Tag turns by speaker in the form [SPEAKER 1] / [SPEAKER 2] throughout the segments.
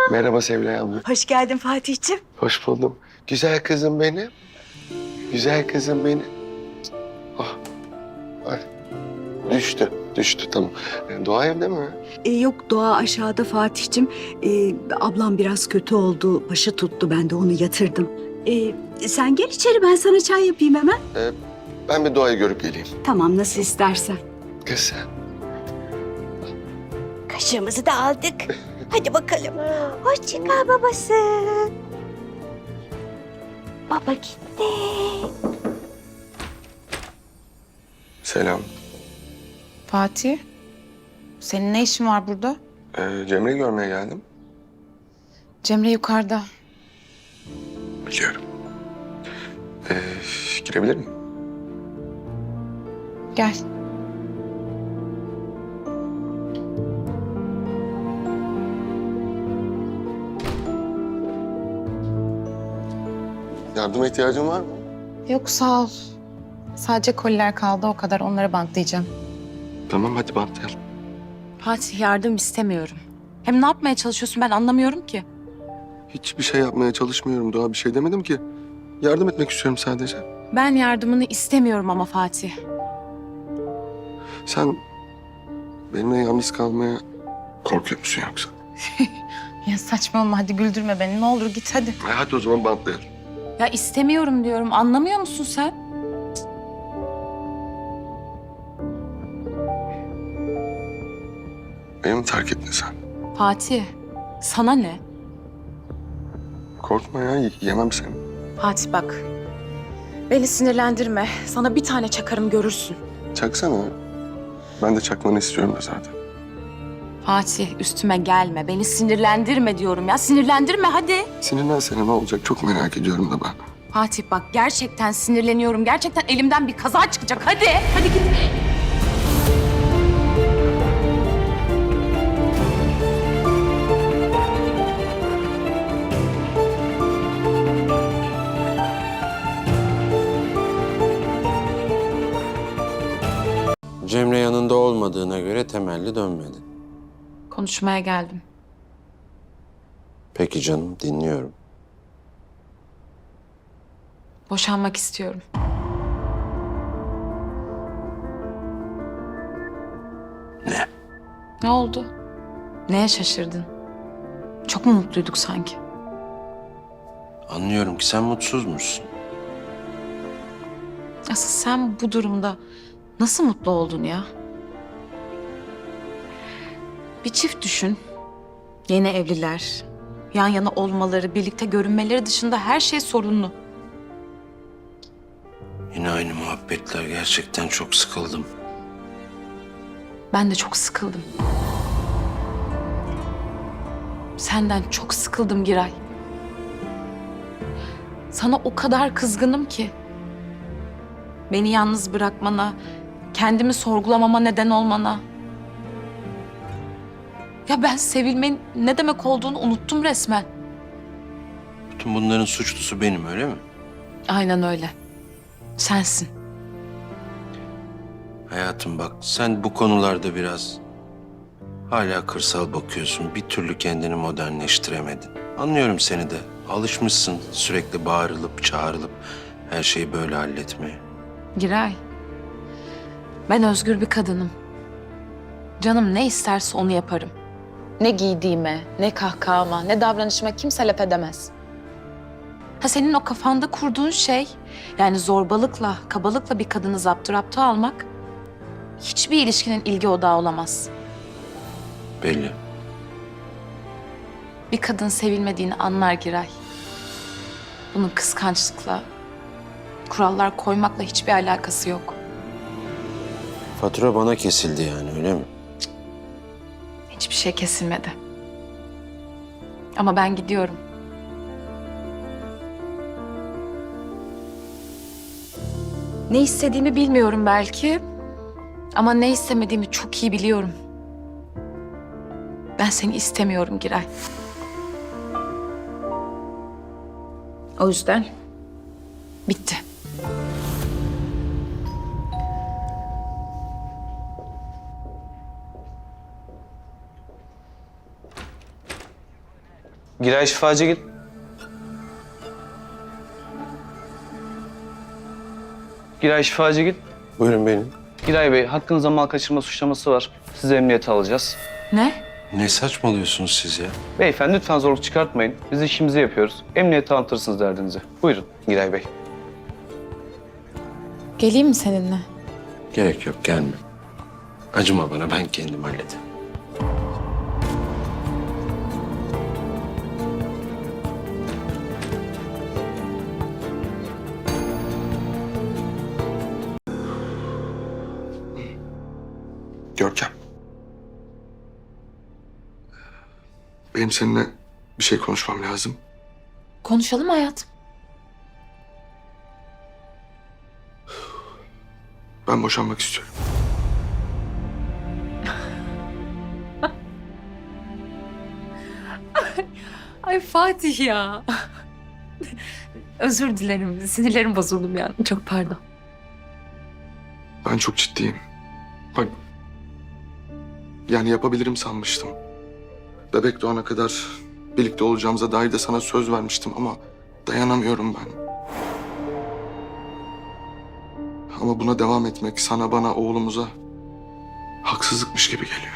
[SPEAKER 1] Merhaba Sevilay abla.
[SPEAKER 2] Hoş geldin Fatih'ciğim.
[SPEAKER 1] Hoş buldum. Güzel kızım benim. Güzel kızım benim. Ah, ay. Düştü tamam. Doğa evde mi?
[SPEAKER 2] Yok Doğa aşağıda Fatih'ciğim. Ablam biraz kötü oldu. Başı tuttu. Ben de onu yatırdım. Sen gel içeri ben sana çay yapayım hemen.
[SPEAKER 1] Ben bir Doğa'yı görüp geleyim.
[SPEAKER 2] Tamam nasıl istersen.
[SPEAKER 1] Kız sen.
[SPEAKER 2] Kaşığımızı da aldık. Hadi bakalım. Hoşça kal babası. Baba gitti.
[SPEAKER 1] Selam.
[SPEAKER 3] Fatih, senin ne işin var burada?
[SPEAKER 1] Cemre'yi görmeye geldim.
[SPEAKER 3] Cemre yukarıda.
[SPEAKER 1] Biliyorum. Girebilir miyim?
[SPEAKER 3] Gel.
[SPEAKER 1] Yardıma ihtiyacın var mı?
[SPEAKER 3] Yok sağ ol. Sadece koliler kaldı o kadar onları bantlayacağım.
[SPEAKER 1] Tamam hadi bantlayalım.
[SPEAKER 3] Fatih yardım istemiyorum. Hem ne yapmaya çalışıyorsun ben anlamıyorum ki.
[SPEAKER 1] Hiçbir şey yapmaya çalışmıyorum Doğa. Bir şey demedim ki. Yardım etmek istiyorum sadece.
[SPEAKER 3] Ben yardımını istemiyorum ama Fatih.
[SPEAKER 1] Sen benimle yalnız kalmaya korkuyor musun yoksa?
[SPEAKER 3] Ya saçmalama hadi güldürme beni ne olur git hadi.
[SPEAKER 1] Hadi o zaman bantlayalım.
[SPEAKER 3] Ya istemiyorum diyorum anlamıyor musun sen?
[SPEAKER 1] Beni mi terk ettin sen?
[SPEAKER 3] Fatih sana ne?
[SPEAKER 1] Korkma ya, yemem seni.
[SPEAKER 3] Fatih bak. Beni sinirlendirme. Sana bir tane çakarım görürsün.
[SPEAKER 1] Çaksana. Ben de çakmanı istiyorum da zaten.
[SPEAKER 3] Fatih üstüme gelme. Beni sinirlendirme diyorum ya. Sinirlendirme hadi.
[SPEAKER 1] Sinirlensene ne olacak çok merak ediyorum da ben.
[SPEAKER 3] Fatih bak gerçekten sinirleniyorum. Gerçekten elimden bir kaza çıkacak. Hadi. Hadi git.
[SPEAKER 4] Cemre yanında olmadığına göre temelli dönmedin.
[SPEAKER 3] Konuşmaya geldim.
[SPEAKER 4] Peki canım, dinliyorum.
[SPEAKER 3] Boşanmak istiyorum.
[SPEAKER 4] Ne?
[SPEAKER 3] Ne oldu? Neye şaşırdın? Çok mu mutluyduk sanki?
[SPEAKER 4] Anlıyorum ki sen mutsuzmuşsun.
[SPEAKER 3] Asıl sen bu durumda nasıl mutlu oldun ya? Bir çift düşün. Yeni evliler. Yan yana olmaları, birlikte görünmeleri dışında her şey sorunlu.
[SPEAKER 4] Yine aynı muhabbetler, gerçekten çok sıkıldım.
[SPEAKER 3] Ben de çok sıkıldım. Senden çok sıkıldım Giray. Sana o kadar kızgınım ki. Beni yalnız bırakmana, kendimi sorgulamama neden olmana. Ya ben sevilmenin ne demek olduğunu unuttum resmen.
[SPEAKER 4] Bütün bunların suçlusu benim, öyle mi?
[SPEAKER 3] Aynen öyle. Sensin.
[SPEAKER 4] Hayatım bak, sen bu konularda biraz hala kırsal bakıyorsun. Bir türlü kendini modernleştiremedin. Anlıyorum seni de. Alışmışsın sürekli bağırılıp çağrılıp her şeyi böyle halletmeye.
[SPEAKER 3] Giray. Ben özgür bir kadınım. Canım ne isterse onu yaparım. Ne giydiğime, ne kahkahama, ne davranışıma kimse laf edemez. Ha senin o kafanda kurduğun şey, yani zorbalıkla, kabalıkla bir kadını zapturapt almak hiçbir ilişkinin ilgi odağı olamaz.
[SPEAKER 4] Belli.
[SPEAKER 3] Bir kadın sevilmediğini anlar Giray. Bunun kıskançlıkla, kurallar koymakla hiçbir alakası yok.
[SPEAKER 4] Fatura bana kesildi yani, öyle mi?
[SPEAKER 3] Hiçbir şey kesilmedi. Ama ben gidiyorum. Ne istediğimi bilmiyorum belki. Ama ne istemediğimi çok iyi biliyorum. Ben seni istemiyorum Giray. O yüzden bitti.
[SPEAKER 5] Giray Şifacıgil. Giray Şifacıgil.
[SPEAKER 1] Buyurun benim.
[SPEAKER 5] Giray Bey, hakkınızda mal kaçırma suçlaması var. Sizi emniyete alacağız.
[SPEAKER 3] Ne?
[SPEAKER 4] Ne saçmalıyorsunuz siz ya?
[SPEAKER 5] Beyefendi lütfen zorluk çıkartmayın. Biz işimizi yapıyoruz. Emniyete anlatırsınız derdinizi. Buyurun Giray Bey.
[SPEAKER 3] Geleyim mi seninle?
[SPEAKER 4] Gerek yok, gelme. Acıma bana, ben kendim hallederim.
[SPEAKER 1] Görkem. Benim seninle bir şey konuşmam lazım.
[SPEAKER 3] Konuşalım hayatım.
[SPEAKER 1] Ben boşanmak istiyorum.
[SPEAKER 3] Ay Fatih ya. Özür dilerim. Sinirlerim bozuldu bir an. Çok pardon.
[SPEAKER 1] Ben çok ciddiyim. Bak, yani yapabilirim sanmıştım. Bebek doğana kadar birlikte olacağımıza dair de sana söz vermiştim ama dayanamıyorum ben. Ama buna devam etmek sana, bana, oğlumuza haksızlıkmış gibi geliyor.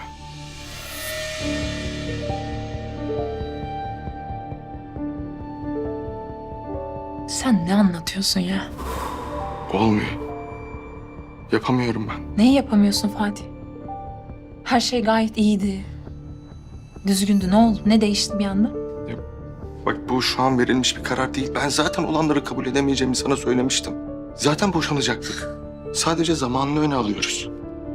[SPEAKER 3] Sen ne anlatıyorsun ya?
[SPEAKER 1] Olmuyor. Yapamıyorum ben.
[SPEAKER 3] Neyi yapamıyorsun Fatih? Her şey gayet iyiydi. Düzgündü. Ne oldu? Ne değişti bir anda?
[SPEAKER 1] Bak, bu şu an verilmiş bir karar değil. Ben zaten olanları kabul edemeyeceğimi sana söylemiştim. Zaten boşanacaktık. Sadece zamanını öne alıyoruz.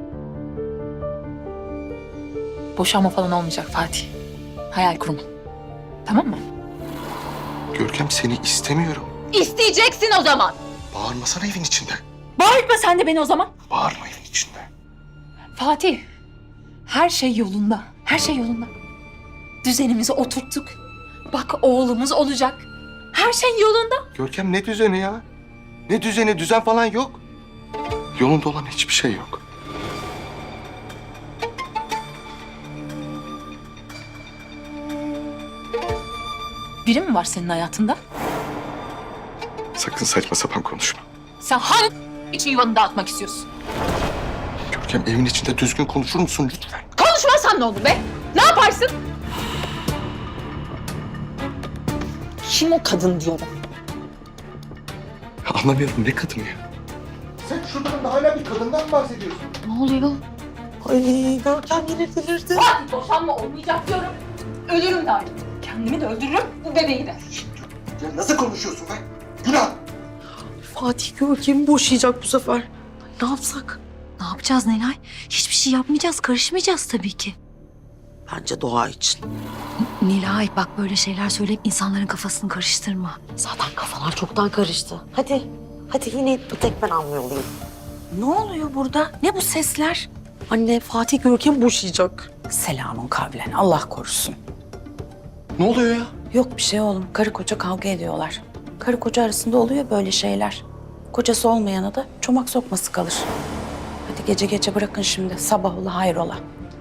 [SPEAKER 3] Boşanma falan olmayacak Fatih. Hayal kurma. Tamam mı?
[SPEAKER 1] Görkem, seni istemiyorum.
[SPEAKER 3] İsteyeceksin o zaman.
[SPEAKER 1] Bağırmasana evin içinde.
[SPEAKER 3] Bağırma sen de beni o zaman.
[SPEAKER 1] Bağırma evin içinde.
[SPEAKER 3] Fatih, her şey yolunda. Her şey yolunda. Düzenimizi oturttuk. Bak oğlumuz olacak. Her şey yolunda.
[SPEAKER 1] Görkem, ne düzeni ya? Ne düzeni? Düzen falan yok. Yolunda olan hiçbir şey yok.
[SPEAKER 3] Biri mi var senin hayatında?
[SPEAKER 1] Sakın saçma sapan konuşma.
[SPEAKER 3] Sen hangi için yuvanı dağıtmak istiyorsun?
[SPEAKER 1] Görkem, evin içinde düzgün konuşur musun lütfen?
[SPEAKER 3] Konuşmazsan ne olur be? Ne yaparsın? Kim o kadın diyorum.
[SPEAKER 1] Anlamıyorum, ne kadın ya? Sen şuradan da hala bir kadından bahsediyorsun.
[SPEAKER 3] Ne oluyor?
[SPEAKER 6] Ay Görkem yine delirdi.
[SPEAKER 3] Fatih boşanma olmayacak diyorum. Ölürüm de artık. Kendimi de öldürürüm, bu bebeği de.
[SPEAKER 1] Ya nasıl konuşuyorsun be? Günah!
[SPEAKER 6] Fatih Görkem'i boşayacak bu sefer. Ay, ne yapsak?
[SPEAKER 2] Ne yapacağız Nelay? Hiçbir şey yapmayacağız, karışmayacağız tabii ki.
[SPEAKER 6] Bence doğa için.
[SPEAKER 2] Nilay bak, böyle şeyler söyleyip insanların kafasını karıştırma.
[SPEAKER 6] Zaten kafalar çoktan karıştı. Hadi yine bir tek ben anlıyordum.
[SPEAKER 2] Ne oluyor burada? Ne bu sesler?
[SPEAKER 6] Anne Fatih Görkem'i boşayacak.
[SPEAKER 7] Selamun kavlen. Allah korusun.
[SPEAKER 1] Ne oluyor ya?
[SPEAKER 7] Yok bir şey oğlum. Karı koca kavga ediyorlar. Karı koca arasında oluyor böyle şeyler. Kocası olmayana da çomak sokması kalır. Hadi gece gece bırakın şimdi. Sabah ola hayrola.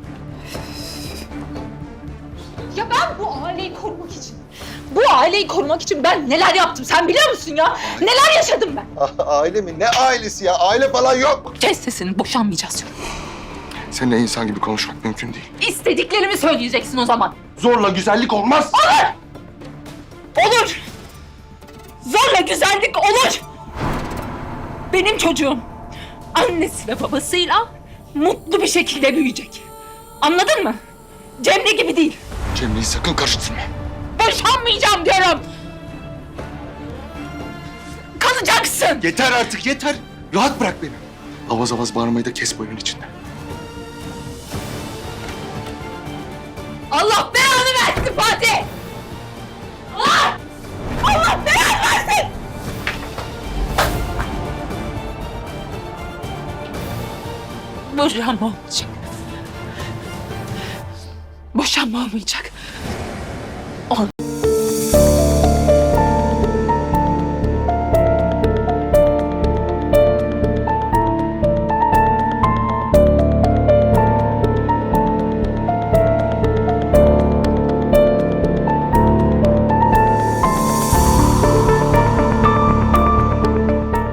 [SPEAKER 3] Ya ben bu aileyi korumak için ben neler yaptım sen biliyor musun ya? Neler yaşadım ben?
[SPEAKER 1] Aile mi? Ne ailesi ya? Aile falan yok.
[SPEAKER 3] Kes sesini, boşanmayacağız diyorum.
[SPEAKER 1] Seninle insan gibi konuşmak mümkün değil.
[SPEAKER 3] İstediklerimi söyleyeceksin o zaman.
[SPEAKER 1] Zorla güzellik olmaz.
[SPEAKER 3] Olur. Zorla güzellik olur. Benim çocuğum annesi ve babasıyla mutlu bir şekilde büyüyecek. Anladın mı? Cemre gibi değil.
[SPEAKER 1] Cemre'yi sakın karıştırma.
[SPEAKER 3] Boşanmayacağım diyorum. Kalacaksın.
[SPEAKER 1] Yeter artık, yeter. Rahat bırak beni. Avaz avaz bağırmayı da kes bu evin içinde.
[SPEAKER 3] Allah belanı versin Fatih. Allah belanı versin. Boşanma olmayacak. Boşanma olmayacak.